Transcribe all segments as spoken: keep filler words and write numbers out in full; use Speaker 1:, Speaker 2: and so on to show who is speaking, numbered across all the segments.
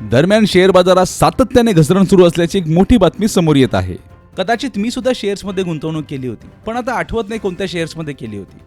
Speaker 1: दरम्यान शेअर बाजारात सातत्याने घसरण सुरू असल्याची एक मोठी बातमी समोर येत आहे. कदाचित मी सुद्धा शेअर्समध्ये गुंतवणूक केली होती, पण आता आठवत नाही कोणत्या शेअर्समध्ये केली होती.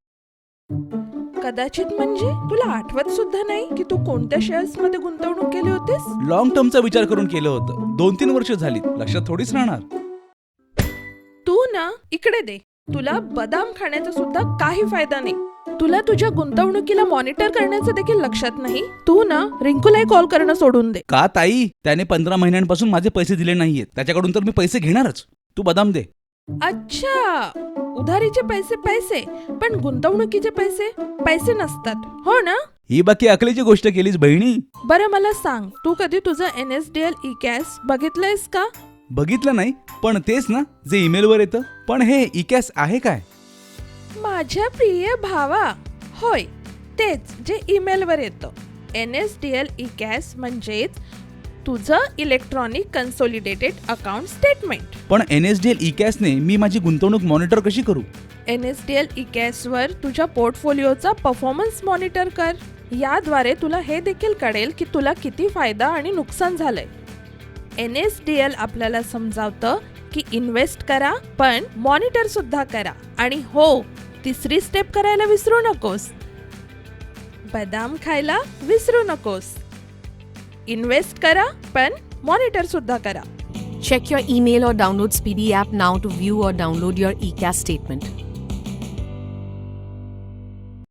Speaker 2: कदाचित म्हणजे तुला आठवत सुद्धा नाही की तू कोणत्या शेअर्स मध्ये गुंतवणूक केली होतीस?
Speaker 1: लॉंग टर्मचा विचार करून केलं होतं. दोन तीन वर्ष झाली, लक्षात थोडीच राहणार.
Speaker 2: तू ना इकडे दे. तुला बदाम खाण्याचा सुद्धा काही फायदा नाही. तुला तुझ्या गुंतवणुकीला मॉनिटर करण्याचं देखील लक्षात नाही. तू ना रिंकूलाही कॉल करणं सोडून दे.
Speaker 1: का ताई? त्याने पंधरा महिन्यांपासून माझे पैसे दिले नाहीयेत. त्याच्याकडून तर मी पैसे घेणारच. तू बदाम दे.
Speaker 2: अच्छा, उधारीचे पैसे पैसे, पण गुंतवणुकीचे पैसे पैसे नसतात, हो ना?
Speaker 1: ही बाकी अकलीची गोष्ट केलीस बहिणी.
Speaker 2: बरं मला सांग, तू कधी तुझं N S D L E CAS बघितलंयस का?
Speaker 1: बघितलं नाही, पण तेच ना जे ईमेलवर येतं. पण हे ई कॅश आहे काय?
Speaker 2: माझ्या प्रिय भावा, होय तेच जे ईमेलवर येतं. N S D L E CAS म्हणजेच तुझं इलेक्ट्रॉनिक कन्सोलिडेटेड अकाउंट स्टेटमेंट.
Speaker 1: पण N S D L E कॅशने मी माझी गुंतवणूक मॉनिटर कशी करू?
Speaker 2: N S D L E कॅशवर तुझ्या पोर्टफोलिओचा परफॉर्मन्स मॉनिटर कर. याद्वारे तुला हे देखील कळेल की तुला किती फायदा आणि नुकसान झालंय. एन एस डी एल आपल्याला समजावतं की इन्व्हेस्ट करा, पण मॉनिटर सुद्धा करा. आणि हो, तिसरी स्टेप करायला विसरू नकोस. बदाम खायला विसरू नकोस. इन्व्हेस्ट करा, पण मॉनिटर सुद्धा करा.
Speaker 3: Check your email or download Speedy app now to view or download your e-cash statement.